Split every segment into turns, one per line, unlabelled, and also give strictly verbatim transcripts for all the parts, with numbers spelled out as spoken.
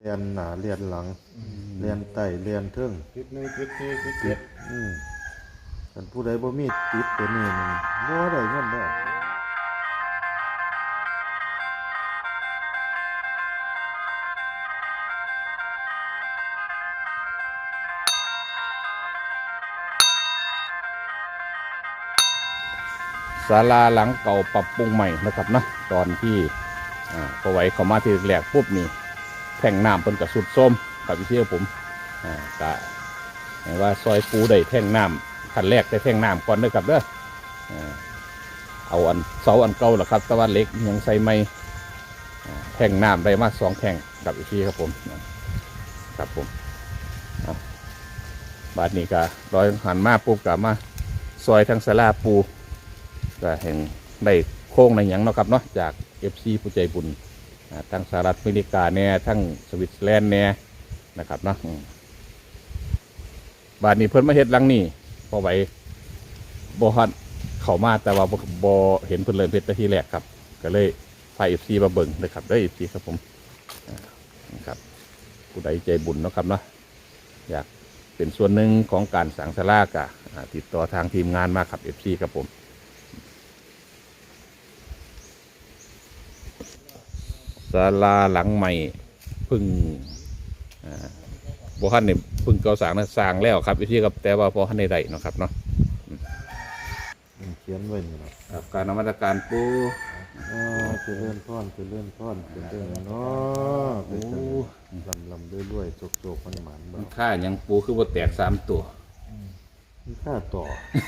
รียนหน้าเรียนหลังเรียนใต้เรียนเทิง
ติดหนึ่งติดสี่ติดเจ็ด
อืมคันผู้ใดบ่มีติดตัวนี้นี่บ่ได้เงินเด้อ
ศาลาหลังเก่าปรับปรุงใหม่นะครับนะตอนที่อ่าพอไว้เข้ามาที่แรกปุ๊บนี่แท่งน้ำเป็นกระสุดส้มกับพี่เชี่ยวผมอ่ากะเห็นว่าซอยปูได้แท่งน้ำขั้นแรกได้แท่งน้ำก่อนเด้อครับเด้ออ่าเอาอันเสาอันเก่าแหละครับตะวันเล็กยังใส่ไม่แท่งน้ำได้มาสองแท่งกับพี่เชี่ยวครับผมครับผมบาดนี้ก็ร้อยหันมาปุ๊บกลับมาซอยทางศาลาปูก็เห็นได้โค้งในอย่างเนาะครับเนาะจากเอฟซีผู้ใจบุญทั้งสหรัฐอเมริกาเนี่ยทั้งสวิตเซอร์แลนด์เนี่ยนะครับเนาะบาดนี้เพิ่นมาเฮ็ดหลังนี่พอไหวบ่ฮัดเข้ามาแต่ว่าบ่เห็นเพิ่นเลยเฮ็ดแต่ทีแรกครับก็เลยพาเอฟซีมาเบิ่งนะครับได้เอฟซีครับผมนะครับผู้ใดใจบุญเนาะครับเนาะอยากเป็นส่วนหนึ่งของการสร้างศาลากะติดต่อทางทีมงานมาครับเอฟซีครับผมศาลาหลังใหม่พึ่งบ่ทันเนี่ยพึ่งเก่าสร้างนะสร้างแล้วครับวิธีครับแต่ว่าพอทันในใดเนาะครับเนาะ
เขียนไว้นี่ล่ะ
ครับการนมัสการปู
อ๋อจะเลื่อนท่อนจะเลื่อนท่อนเป็นเรื่องเนาะโอ้ลำลำด้วยด้วยโจกโจกมันหมัน
มันค่ายังปูคือว่าแตกสามตัว
มันค่าต่อ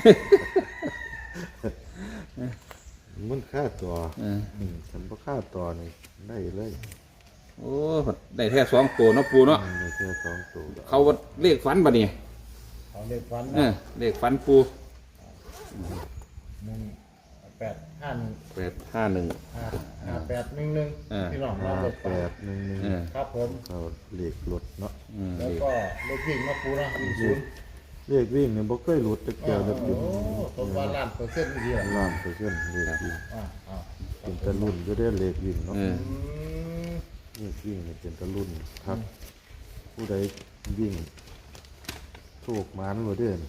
มันค่าต่อฉันบ่ค่าต่อนี่ได้เลย
โอ้ได้แค่สองตัวเนาะปูเนาะ
ได้แค่สองตัว
เขาเลขฝันบ่เนี่ย
เขาเลขฝัน
เลขฝันปู
หนึ่งแปดห้าหนึ่ง
แปดห้าหนึ่ง
ห้าแปดหนึ่งหนึ่งที่หลอกเรา
แปดหนึ่งหนึ่ง
ครับผม
เขาเลขหลุดเนาะ
แล้วก็เลขวิ่งมาปูนะวิ่งศูนย์
เลขวิ่งเนี่ยบ่เคยหลุดตะเกียบเลย
โอ้ต้นว่าล้านเปอร์เซ็นต์ดีอ่ะ
ล้านเปอร์เซ็นต์เลขวิ่งเป็นตะลุ่นก็ได้เลขวิ่งเนาะเลขวิ่งเนี่ยเป็นตะลุ่นครับผู้ใดวิ่งโชคหมานบ่เด้อ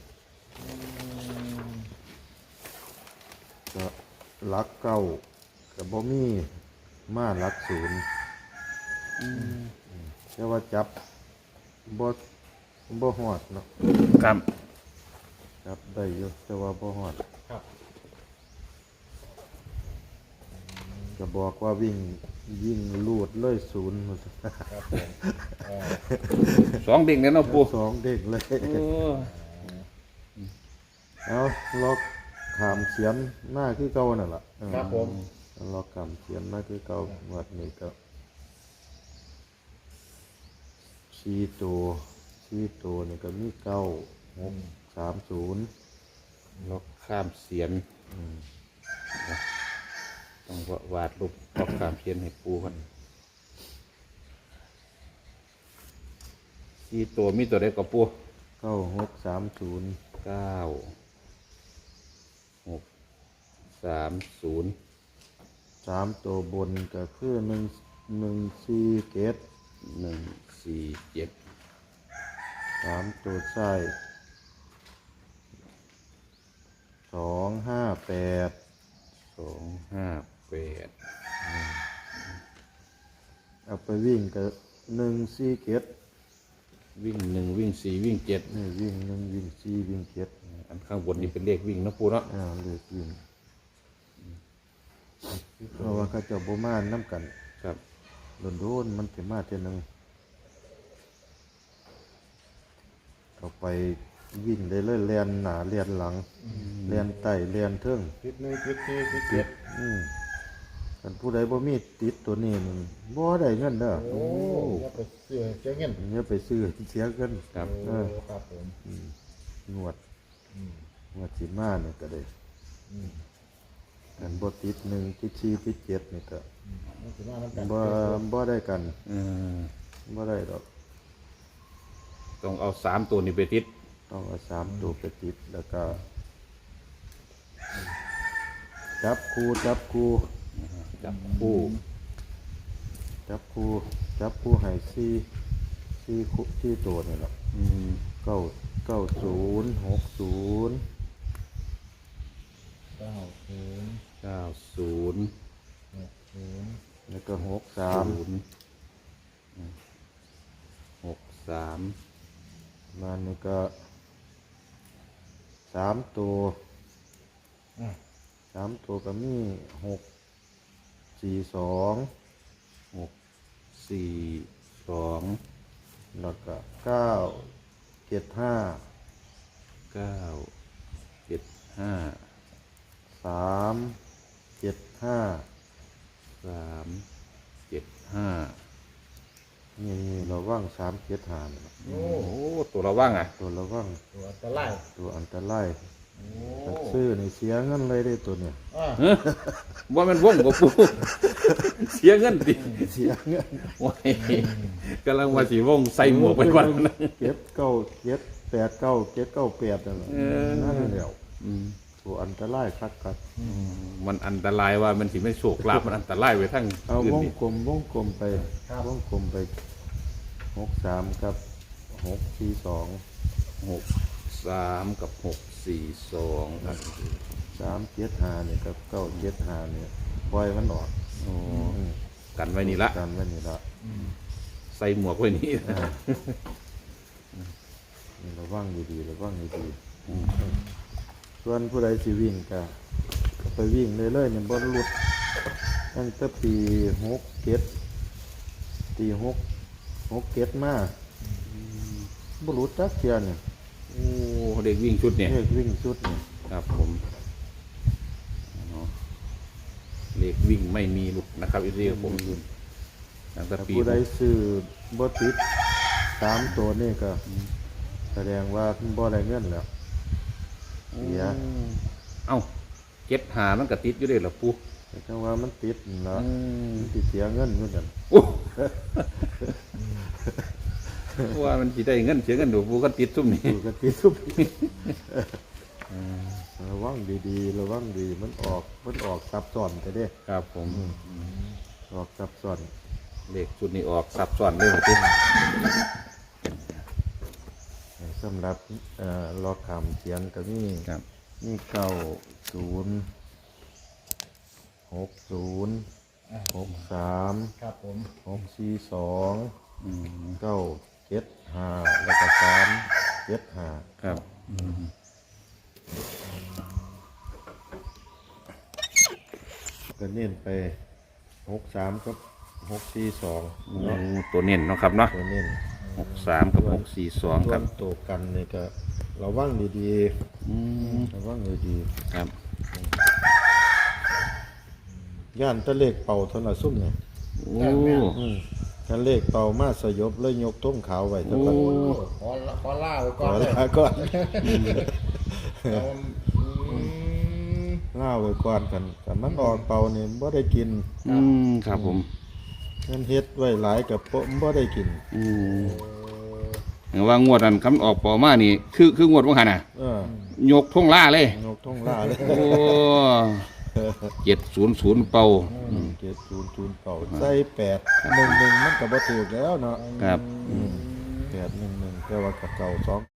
ก็ลักเก้ากับบ่มีมาลักศูนย์แต่ว่าจับบ่บ่ฮอดเนาะ
ครับ
จับได้อยู่แต่ว่าบ่ฮอดก็บอกว่าวิ่งยิ่งลูดเลยศูนย์
สองเด้งเนี่ยเนาะปู
สองเด้งเลยเอาล็อกขามเขียนหน้าคือเก่านั่นแหละ
ครับผม
ล็อกขามเขียนหน้าคือเก่าวัดนี้ก็ชีตัวชีตัวนี่ก็มีเก้าหกสามศูนย์
ล็อกข้ามเสียนต้องวาดรูปล็อกข้ามเสียนให้ปูกันชีตัวมีตัวใดก็ปู
เก้าหกสามศูนย์
เก้าหกสามศูนย์
สามตัวบนก็คือหนึ่งหนึ่งสี่เจ็ด
หนึ่งสี่เจ็ด
สามตัวใส่สองห้าแปด
สองห้าแปด
เอาไปวิ่งก็หนึ่งสี่เจ็ด
วิ่งหนึ่งวิ่งสี่วิ่งเจ็ด
นี่วิ่งหนึ่งวิ่งสี่วิ่งเจ็ด
อันข้างบนนี่เป็นเลขวิ่งนะปูเนาะ
อ่าเลขวิ่งเพราะว่าเขาจะบ่มาน้ำกัน
ครับ
โดนๆมันจะมาเท่านึงเอาไปวิ่งได้เลยเลียนหน้าเลียนหลังเลียนใต้เลียนเทิง
ติดหนึ่งติดสี่ติดเจ็ด
อืมคันผู้ใดบ่มีติดตัวนี้มันบ่ได้เงินเด้อ
โอ้อย่าไปซื้อเสียเงิน
อย่าไปซื้อเสียเงิน
ครับ
เออ
ครับผม
งวดงวดสิมาเนี่ยก็ได้อันบ่ติดหนึ่งติดสี่ติดเจ็ดนี่ก็บ่บ่ได้กันบ่ได้ดอก
ต้องเอาสามตัวนี้ไปติด
ต้องเอาสามตัวไปติดแล้วก็จับคู่จับคู่
จับคู่
จับคู่จับคู่ให้สี่ที่คุที่ตัวนี่แหละ
อืม
เก้าเก้าศูนย์หกศูนย์
เก้าศูนย์
เก้าศูนย์
หกศูนย์
แล้วก็หกสาม
ศูนย์อืมหกสาม
มันนี่ก็สามตัว
อ่ะ
สามตัวก็มีหกสี่สอง
หกสี่สอง
แล้วก็เก้าเจ็ดห้า
เก้าเจ็ดห้า
สามเจ็ดห้า
สามเจ็ดห้า
นี่นี่เราว่างสามเจ็ดห้านี่ล่ะ
โอ้
โอ้ตัวเราว่างอ่ะ
ตัวเราว่าง
ตัวอันตราย
ตัวอันตราย
โอ้
ถ้าซื้อในเสียเงินเลยได้ตัวเนี่ย
อ่ะ
เอ้อว่ามันว่องกับปู เสียเงินดิ
เสียเงิน
ว้ายกำลังว่าสีว่องใส่หมวกไปวันนั้น
เก็บเก้าเก็บแปดเก้าเก็บเก้าแปดนั่นแหละ
เออ
นั่นแหละ
อืม
ตัวอันตรายคักคัก
มันอันตรายว่ามันสิไม่โชคลาภมันอันตรายไว้ทั้ง
เอา
อื่น
วง
ดิ
กลมวงกลมไปวงกลมไปหกสามกับหกสี่สอง
หกสามกับหกสี่สอง
สามเจ็ดห้าเนี่ยกับเก้าเจ็ดห้าเนี่ยปล่อยมันออก
โอ้
อืม
กันไว้นี่ละ
กันไว้นี่ละ
ใส่หมวกไว้นี่
อ่านี่ระวังดีๆระวังดีๆส่วนผู้ใดสิวิ่งก็ก็ไปวิ่งเลยเลยเนี่ยบนรุดตั้งแต่ปีหกเจ็ดปีหกหกเจ็ดมาบรุษจักเทียนเนี่ย
โอ้เด็กวิ่งชุดเนี่ย
เลขวิ่งชุดเนี่ย
ครับผมเนาะเลขวิ่งไม่มีหลุดนะครับอีเรียผมตั้งแต่
ถ้า
ปี
ผู้ใดซื้อบ่ติดสามตัวนี่ก็ แสดงว่าบ่ได้เงินแล้ว เสีย
เอ้าเจ็ดหามันก็ติดอยู่เลยเหรอปู
แต่จังว่ามันติดนั่น
อื
ละ
ม
มันสิเสียเงินเหมือนกัน
โอ้ ว่ามันสิได้เงินเสียเงินดูปูก็ติดซุ่มนี่
อยู่กันติดทุกระวังดีๆระวังดีมันออกมันออกซับซ้อนไปเด้
ครับผม
ออกซับซ้อน
เลขชุดนี้ออกซับซ้อนเลยติ
สำหรับเอ่อล็อกคำเสียงก็มี
ครับ
มีเก้าศูนย์หกศูนย์หกสาม
ครับผม
หกสี่สอง
อืม
เก้าเจ็ดห้าแล้วก็สามเจ็ดห้า
ครับ
ก็เน้นไปหกสามกับหกสี่สอง
โอ้ตัวเน้นเนาะครับเนาะ
ตัวเน้น
หกสามกับหกสี่สอง
ส่
คว รับ
นตัวกันนี่ก็ระวังดี
อืม
ๆระวังดี
ครับ
ๆย่านตะเลขเป่าเท่านั้นซุ่มเนี่ย
โอ้
อืมถ้าเลขเป่ามาสยบเลยยกต้มขาวไว้ตะกัน
โอ้
ขอขอล่าไว้
ก่
ก่
อ
อน
น
เลย
ลาก่อน
เอาอืม
ล่าไว้ก่อนกันแต่มันออกเป่านี่บ่ได้กิน
อืมครับผม
มันเฮ็ดไว้หลายกับบ่บ่ได้กิน
อืมเห็นว่างวดนั้นคำออกปอมานี่ คือคืองวดว่าหันน่ะ
เออย
กท่งล่าเลย
ยกท่องล่าเลย
โอ้เจ็ดศูนย์ศูนย์เป่า
เจ็ดศูนย์ศูนย์เป่าใส่แปดหนึ่งหนึ่งมันก็บ่ถูกแล้วเนาะ
ครับ
แปดหนึ่งหนึ่งแต่ว่ากับเก่าสอง